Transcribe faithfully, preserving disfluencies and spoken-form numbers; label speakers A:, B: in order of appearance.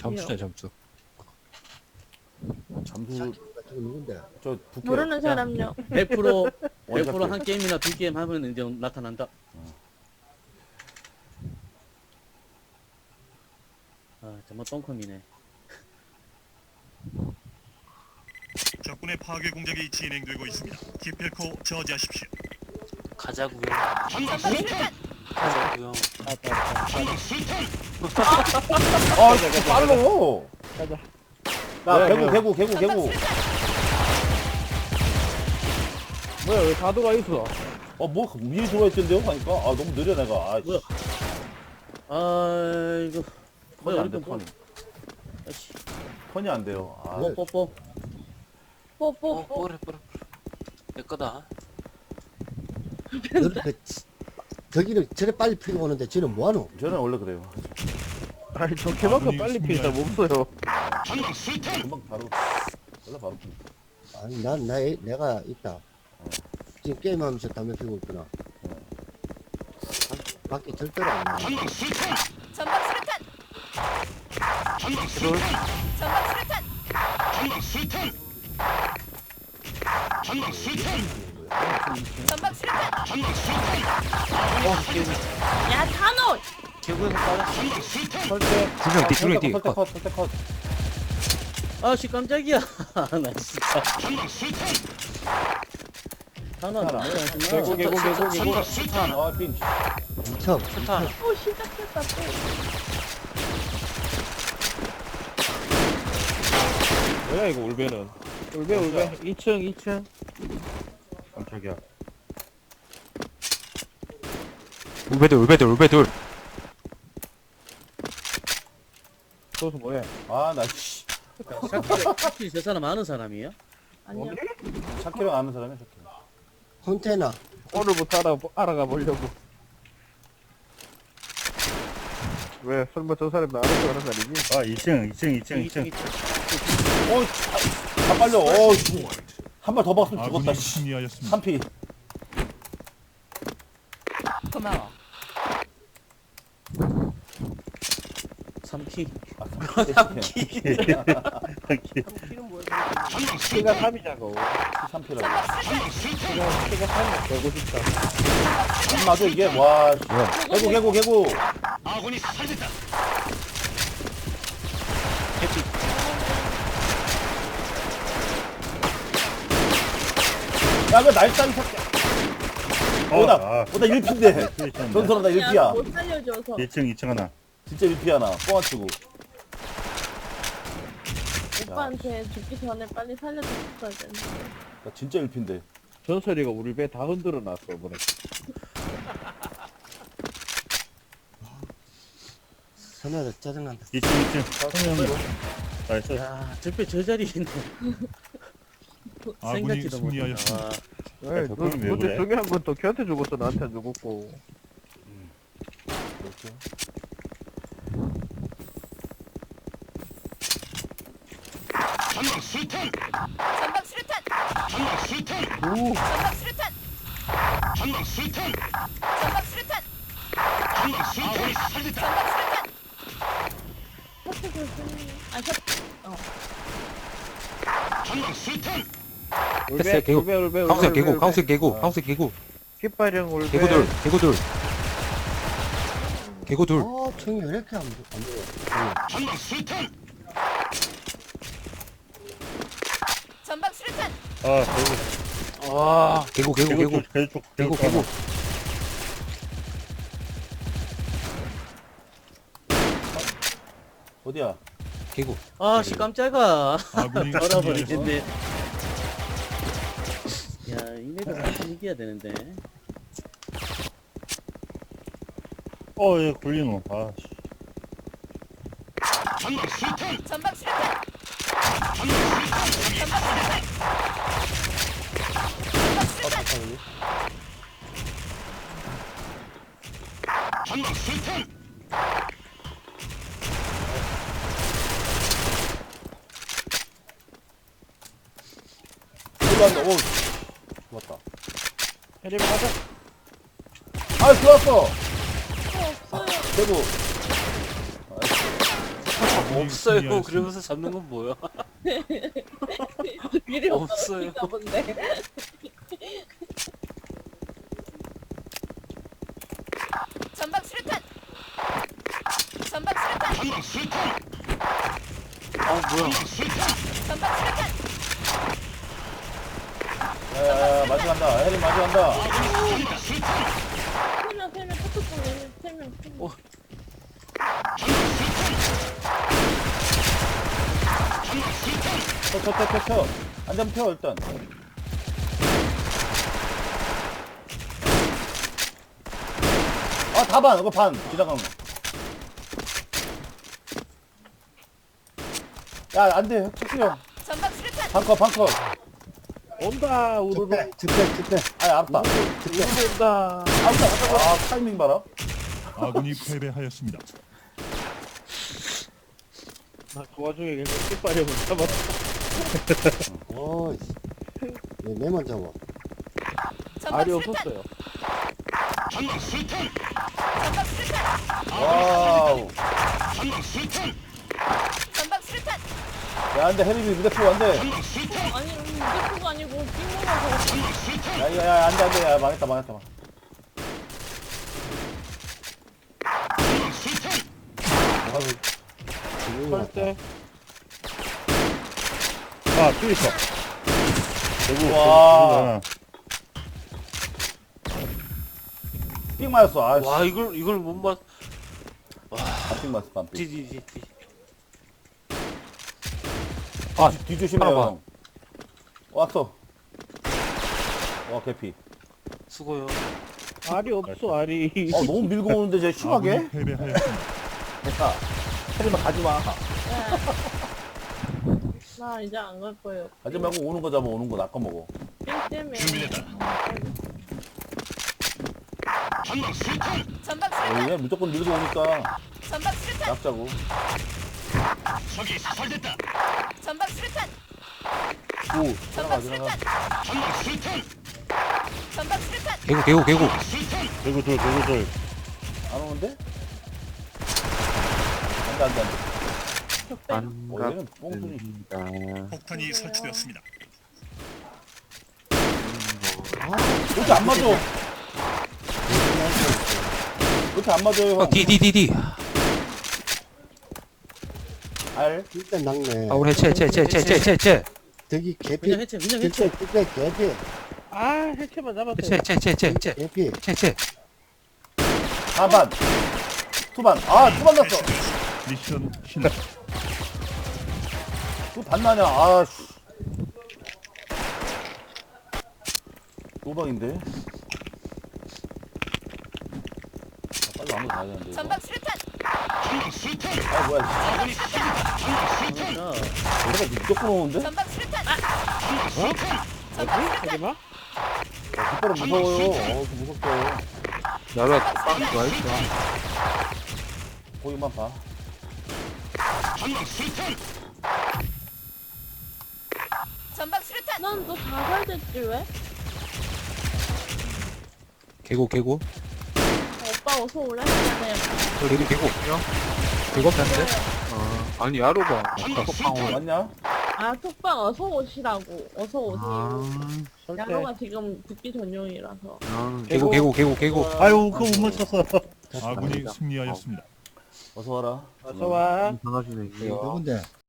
A: 점수네 점수.
B: 잠수
C: 저거 누군데?
B: 저 부캐.
D: 모르는 사람요.
E: 백 퍼센트 백 퍼센트
B: 원작들.
E: 한 게임이나 두 게임 하면 이제 나타난다. 아 정말 똥컴이네.
F: 적군의 파괴 공작이 진행되고 있습니다. 기필코 저지하십시오.
A: 가자고요.
G: 가자고요.
B: 아 진짜 빨로.
G: 가자.
B: 나
G: 왜,
B: 개구
G: 왜?
B: 개구 개구 개구.
G: 뭐야 왜 가도가 있어?
B: 어뭐 미리 들어와 있던데요? 하니까 아 너무 느려 내가. 아,
E: 뭐야? 아이고.
B: 턴이 안 돼,
E: 뭐,
B: 턴이.
E: 아이씨.
B: 턴이 안 돼요. 아,
C: 네.
E: 뽀뽀.
D: 뽀뽀.
A: 어, 뽀래 뽀래. 내 거다.
C: 너를 그, 저기는 저래 빨리 피고 오는데 쟤는 뭐하노?
B: 저는 원래 그래요.
G: 아니 저 개만큼 빨리 피는 사람 없어요.
B: 금방 바로 원래 바로.
C: 아니 난 나, 내가 있다. 지금 게임하면서 담배 피고 있구나. 밖에 절대로 안 나와.
H: 전방 수류탄! 전방 수류탄! 전방 수류탄! 전방 수류탄!
D: 야 단호.
A: 개구에서 빠졌어.
B: 설대.
A: 두명 뒤, 두명 뒤.
B: 설대 컷, 설대 컷.
E: 아씨 깜짝이야. 나 진짜. 하나
B: 하나.
E: 뭐야 정말.
G: 개구 개구 개구 개구.
B: 아, 빈.
C: 미쳐.
A: 스탄.
D: 오 시작했다 또.
G: 뭐야 이거 울베는? 울베 울베. 이 층 이 층.
B: 깜짝이야.
A: 울베들 울베들 울베들.
G: 그것은 뭐야?
B: 아, 나 씨.
E: 확실히 저 사람 아는 사람이야?
D: 아니야.
B: 샤키랑 아는 사람이야, 샤키.
C: 컨테이너.
G: 오늘부터 알아 알아가 보려고. 왜 설마 저 사람 나를 좋아하는 사람이지?
I: 아, 이 층, 이 층, 이 층, 이 층.
B: 어, 다 빨려. 어, 한 발 더 박으면 죽었다.
F: 아군이
B: 씨.
F: 승리하였습니다.
B: 삼 피.
H: 고마워.
E: 삼 피.
B: 삼 피.
G: 키가 삼이자고.
B: 삼 피라고.
G: 키가 키가 삼이 되고 싶다.
B: 안 맞아, 이게. 와, 씨. 개구, 개구, 개구.
F: 아군이 살렸다.
B: 야, 왜 날짜리 삭제.
I: 어,
B: 오다,
I: 아,
B: 오다 일 피인데. 전설아, 나 일 피야.
D: 야못 살려줘서.
I: 이 층, 이 층 하나.
B: 진짜 일 피야, 나. 뻥안 치고.
D: 오빠한테 죽기 전에 빨리 살려줬어야 되는데.
B: 나 진짜 일 피인데.
G: 전설이가 우리 배 다 흔들어 놨어 이번에.
C: 선호도 짜증난다.
I: 이 층, 이 층. 성형으로. 나이스.
E: 야, 저뼈 저 자리에 있네.
F: 아군이
E: 생각지도
F: 승리하였습니다.
E: 못했다.
G: 왜? 너
I: 저거는 왜
G: 근데
I: 그래?
G: 중요한 건 또 걔한테 죽었어 나한테 안 죽었고.
F: 전방 수류탄!
H: 전방 수류탄!
F: 전방 수류탄!
G: 오.
H: 전방 수류탄!
F: 전방 수류탄!
H: 전방 수류탄!
F: 전방 수류탄! 살렸다.
H: 전방 수류탄!
D: 셔츠 조심. 아 셔츠. 어.
F: 전방 수류탄!
A: 됐어요, 개구.
G: 울베 울베 울베.
A: 황색 개구,
G: 울베.
A: 황색 개구, 황색 개구.
G: 깃발형 울베.
A: 개구들, 개구들. 개구들.
C: 어, 총이 왜 이렇게 안, 보- 안 보여?
F: 전방 수류탄!
H: 전방 수류탄!
I: 아, 개구.
G: 아.
A: 개구, 개구, 개구.
I: 쪽, 개구 쪽,
A: 개구,
I: 쪽
A: 개구.
I: 하나.
B: 어디야?
A: 개구.
E: 아씨 깜짝아.
F: 아군이
E: 돌아버리겠네.
F: 승리하였습니다.
E: 야 이네가 사실 이겨야 되는데.
I: 어, 얘 굴리노. 아, 씨.
F: 전방 수류탄!
H: 전방 수류탄! 전방 수류탄! 전방 수류탄!
F: 전방 수류탄!
B: 들어간다. 오, 죽었다.
G: 해리가 가자.
B: 아, 들어왔어.
D: 없어요.
B: 개구.
E: 없어요. 그러면서 잡는 건 뭐야?
D: 미리
E: 없어요.
D: 없었나 본데.
H: 전방 수류탄. 전방 수류탄.
F: 전방 수류탄.
E: 아 뭐야?
H: 전방 수류탄.
B: 야야야 마주 간다. 해리 마주 간다.
F: 살린다. 수류탄.
D: 세명 세명 카톡방에 세명
E: 어.
B: 쳐, 쳐, 쳐, 쳐, 쳐. 안전 펴, 일단. 아, 다 반, 이거 반. 지나간 거. 야, 안 돼. 척수 형.
H: 전방 수류탄.
B: 반컷, 반컷.
G: 온다 우르르
C: 집회, 집회, 집회.
B: 아, 알았다.
G: 온다.
B: 알았다, 알았다. 아, 타이밍 봐라.
J: 아군이 패배하였습니다.
G: 나 그 와중에 그냥 끝발이 못 잡았어.
C: 오, 씨. 왜 내만 잡아?
H: 전방
G: 알이
H: 수류탄.
G: 없었어요.
F: 전방 수류탄.
H: 전방 수류탄.
B: 와우.
F: 전방 수류탄.
H: 전방 수류탄.
B: 야, 안 돼. 해리비 무대포 안 돼.
F: 전방 수류탄.
D: 아니 무대포가 아니고 띵모가
F: 전방 수류탄.
B: 야, 야, 야, 안 돼, 안 돼. 야, 망했다, 망했다. 망.
F: 전방 수류탄.
C: 아유, 지금
G: 할
C: 왔다.
G: 때.
I: 아, 또 있어. 대구,
B: 와.
I: 대구
B: 삑 맞았어. 아, 씨.
E: 와 이걸 이걸 못 맞.
B: 아, 삑 맞았어, 반 삑.
E: 디디디디.
B: 아, 뒤조심해요,
A: 하나 봐.
B: 형. 왔어. 와, 개피.
E: 수고요.
G: 알이 없어 알이.
B: 어, 너무 밀고 오는데, 쟤 심하게?
J: 아군이 패배하였습니다.
B: 됐다. 해리만 가지 마.
D: 나 이제 안 갈 거예요.
B: 가지 말고 오는 거 잡아, 오는 거 낚아 먹어.
D: 삥 때문에.
F: 준비됐다. 전방 수류탄.
H: 전방
B: 어,
H: 수류탄.
B: 얘 무조건 밀고 오니까
H: 전방 수류탄.
B: 낚자고.
F: 적이 사살됐다.
H: 전방 수류탄.
B: 오,
H: 전방
B: 지나가, 지나가.
H: 수류탄.
F: 전방 수류탄.
H: 전방 수류탄.
A: 개구 개구 개구
F: 수류탄.
I: 대구 둘, 대구 둘.
B: 안 오는데? 안 돼, 안 돼, 안 돼. 어, 얘는 뽕순이.
J: 폭탄이 설치되었습니다.
B: 왜 이렇게 안 맞아? 왜 이렇게 안 맞아요, 형?
A: 디디디디
B: 알?
C: 일단 낙네.
A: 아 우리 해체 해체 해체 해체 해체 해체
C: 저기 개피.
E: 그냥 해체 그냥 해체.
C: 집회, 집회, 개피.
G: 아 해체만 잡았어요.
A: 해체 해체 해체 해체 해체
C: 개피.
A: 해체
B: 사반. 투반. 아, 투반 났어.
J: 미션 실패.
B: 투반 나냐, 아, 씨. 노방인데? 아, 빨리 아무 가야 되는데. 이거.
H: 전방 수류탄.
F: 전방 수류탄.
B: 아, 뭐야,
F: 아군이 사살됐다. 전방 수류탄.
E: 자,
B: 씨. 얘가 무조건 오는데?
H: 전방 수류탄.
F: 전방 수류탄.
H: 전방
G: 뭐지?
H: 수류탄.
G: 하지마.
B: 아, 뒷발은 무서워요. 어, 무섭다.
A: 나라 빡 와있어
B: 거기만 봐.
F: 전방 수류탄.
H: 전방 수류탄.
D: 난너 자살됐지 왜?
A: 개구 개구
D: 어, 오빠 어서 오래 하잖아요.
A: 저 레디 개구 없냐? 개구 없는데? 어 아니 야로봐
F: 전방
B: 어,
F: 수류탄.
B: 맞냐?
D: 아 톡방 어서 오시라고. 어서 오세요.
G: 설때.
D: 야로가 지금 붙기 전용이라서.
A: 개구 개구 개구 개구
I: 아유, 그거 못 맞췄어.
J: 아군이 승리하였습니다.
B: 어서 와라.
G: 어서 와.
A: 반갑습니다
C: 누군데?